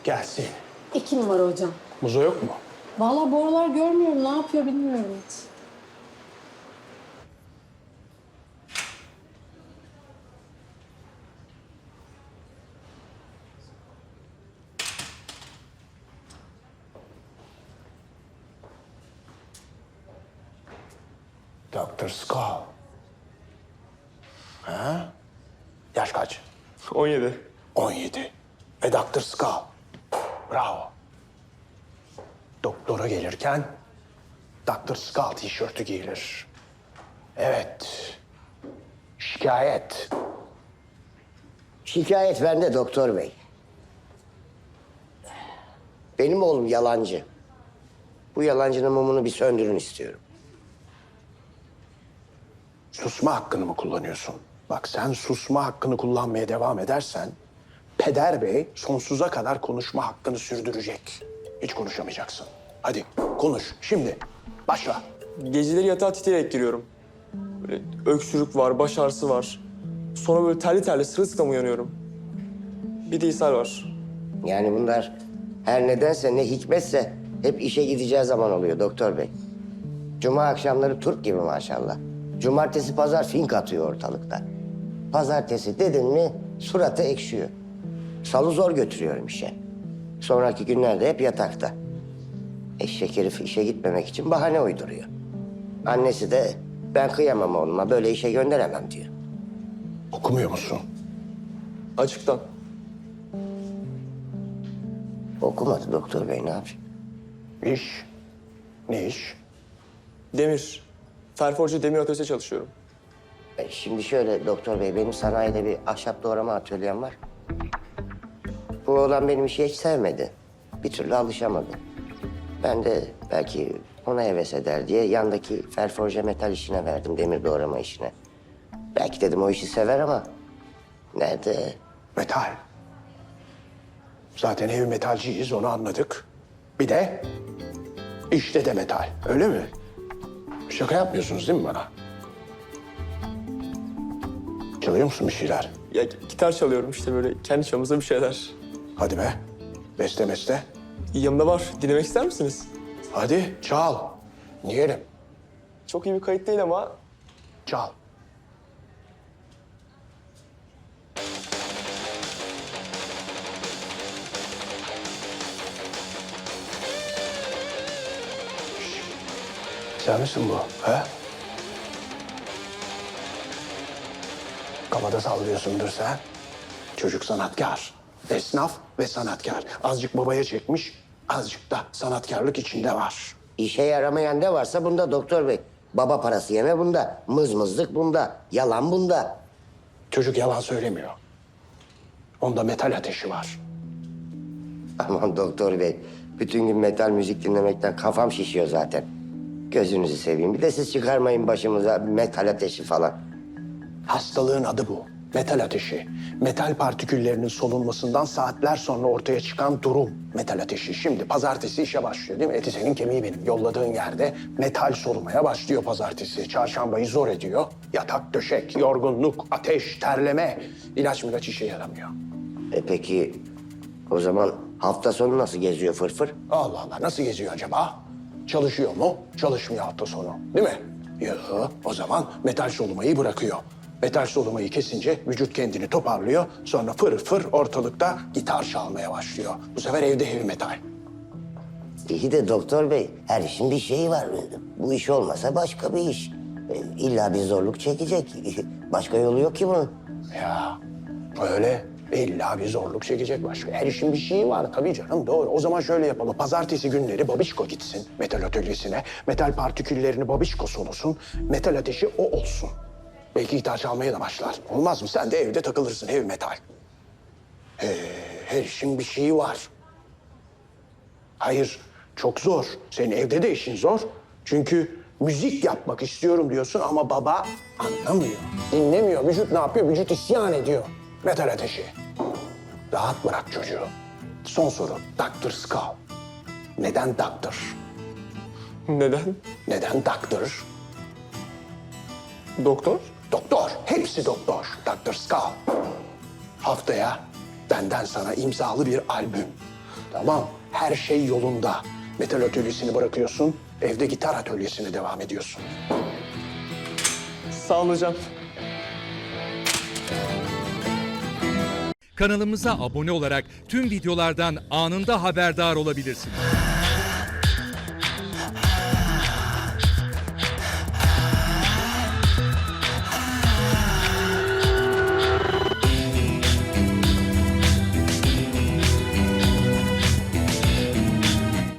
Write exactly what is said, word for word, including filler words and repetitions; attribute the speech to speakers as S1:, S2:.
S1: Gelsin.
S2: İki numara hocam.
S1: Muzo yok mu?
S2: Vallahi bu aralar görmüyorum. Ne yapıyor bilmiyorum hiç.
S1: doktor Skull. Ha? Yaş kaç?
S3: on yedi.
S1: on yedi. Ve doktor Skull. Bravo. Doktora gelirken doktor Skull tişörtü giyilir. Evet. Şikayet.
S4: Şikayet bende doktor bey. Benim oğlum yalancı. Bu yalancının mumunu bir söndürün istiyorum.
S1: Susma hakkını mı kullanıyorsun? Bak sen susma hakkını kullanmaya devam edersen Peder Bey sonsuza kadar konuşma hakkını sürdürecek. Hiç konuşamayacaksın. Hadi konuş şimdi. Başla.
S3: Geceleri yatağa titreyerek giriyorum. Böyle öksürük var, baş ağrısı var. Sonra böyle terli terli sırılsıklam uyanıyorum. Bir de ishal var.
S4: Yani bunlar her nedense ne hikmetse hep işe gideceği zaman oluyor doktor bey. Cuma akşamları Türk gibi maşallah. Cumartesi pazar fink atıyor ortalıkta. Pazartesi dedin mi suratı ekşiyor. Salı zor götürüyorum işe. Sonraki günlerde hep yatakta. Eşek herif işe gitmemek için bahane uyduruyor. Annesi de ben kıyamam oğluma böyle işe gönderemem diyor.
S1: Okumuyor musun?
S3: Açıktan.
S4: Okumadı doktor bey ne yapayım?
S1: İş. Ne iş?
S3: Demir. Ferforcu demir atölyesinde çalışıyorum.
S4: E, Şimdi şöyle doktor bey, benim sanayide bir ahşap doğrama atölyem var. Bu oğlan benim işi hiç sevmedi. Bir türlü alışamadı. Ben de belki ona heves eder diye yandaki ferforje metal işine verdim, demir doğrama işine. Belki dedim o işi sever ama nerede?
S1: Metal. Zaten heavy metalciyiz onu anladık. Bir de işte de metal. Öyle mi? Şaka yapmıyorsunuz değil mi bana? Çalıyor musun bir şeyler?
S3: Ya gitar çalıyorum işte böyle kendi çapımızda bir şeyler.
S1: Hadi be. Beste meste.
S3: Yanımda var. Dinlemek ister misiniz?
S1: Hadi çal. Diyelim.
S3: Çok iyi bir kayıt değil ama
S1: Çal. Sen misin bu? He? Kafada sallıyorsundur sen. Çocuk sanatkar. Esnaf ve sanatkar. Azıcık babaya çekmiş, azıcık da sanatkarlık içinde var.
S4: İşe yaramayan ne varsa bunda doktor bey. Baba parası yeme bunda, mızmızlık bunda, yalan bunda.
S1: Çocuk yalan söylemiyor. Onda metal ateşi var.
S4: Aman doktor bey, bütün gün metal müzik dinlemekten kafam şişiyor zaten. Gözünüzü seveyim. Bir de siz çıkarmayın başımıza metal ateşi falan.
S1: Hastalığın adı bu. Metal ateşi. Metal partiküllerinin solunmasından saatler sonra ortaya çıkan durum. Metal ateşi. Şimdi pazartesi işe başlıyor değil mi? Eti senin kemiği benim. Yolladığın yerde metal solumaya başlıyor pazartesi. Çarşambayı zor ediyor. Yatak, döşek, yorgunluk, ateş, terleme. İlaç milaç işe yaramıyor.
S4: E peki o zaman hafta sonu nasıl geziyor fırfır?
S1: Allah Allah nasıl geziyor acaba? Çalışıyor mu? Çalışmıyor hafta sonu. Değil mi? Yok. O zaman metal solumayı bırakıyor. Metal solumayı kesince vücut kendini toparlıyor. Sonra fır fır ortalıkta gitar çalmaya başlıyor. Bu sefer evde heavy metal.
S4: İyi de doktor bey, her işin bir şeyi var. Bu iş olmasa başka bir iş. E, İlla bir zorluk çekecek. Başka yolu yok ki bunun.
S1: Ya öyle illa bir zorluk çekecek başka. Her işin bir şeyi var tabii canım doğru. O zaman şöyle yapalım. Pazartesi günleri babişko gitsin metal atölyesine. Metal partiküllerini babişko solusun. Metal ateşi o olsun. Belki gitar çalmaya da başlar. Olmaz mı? Sen de evde takılırsın heavy metal. Ee, her işin bir şeyi var. Hayır çok zor. Senin evde de işin zor. Çünkü müzik yapmak istiyorum diyorsun ama baba anlamıyor. Dinlemiyor. Vücut ne yapıyor? Vücut isyan ediyor. Metal ateşi. Rahat bırak çocuğu. Son soru. doktor Skull. Neden doktor?
S3: neden?
S1: Neden doktor?
S3: Doktor?
S1: Doktor. Hepsi doktor. doktor Skull. Haftaya benden sana imzalı bir albüm. Tamam, her şey yolunda. Metal atölyesini bırakıyorsun, evde gitar atölyesine devam ediyorsun.
S3: Sağ olun hocam.
S5: Kanalımıza abone olarak tüm videolardan anında haberdar olabilirsiniz.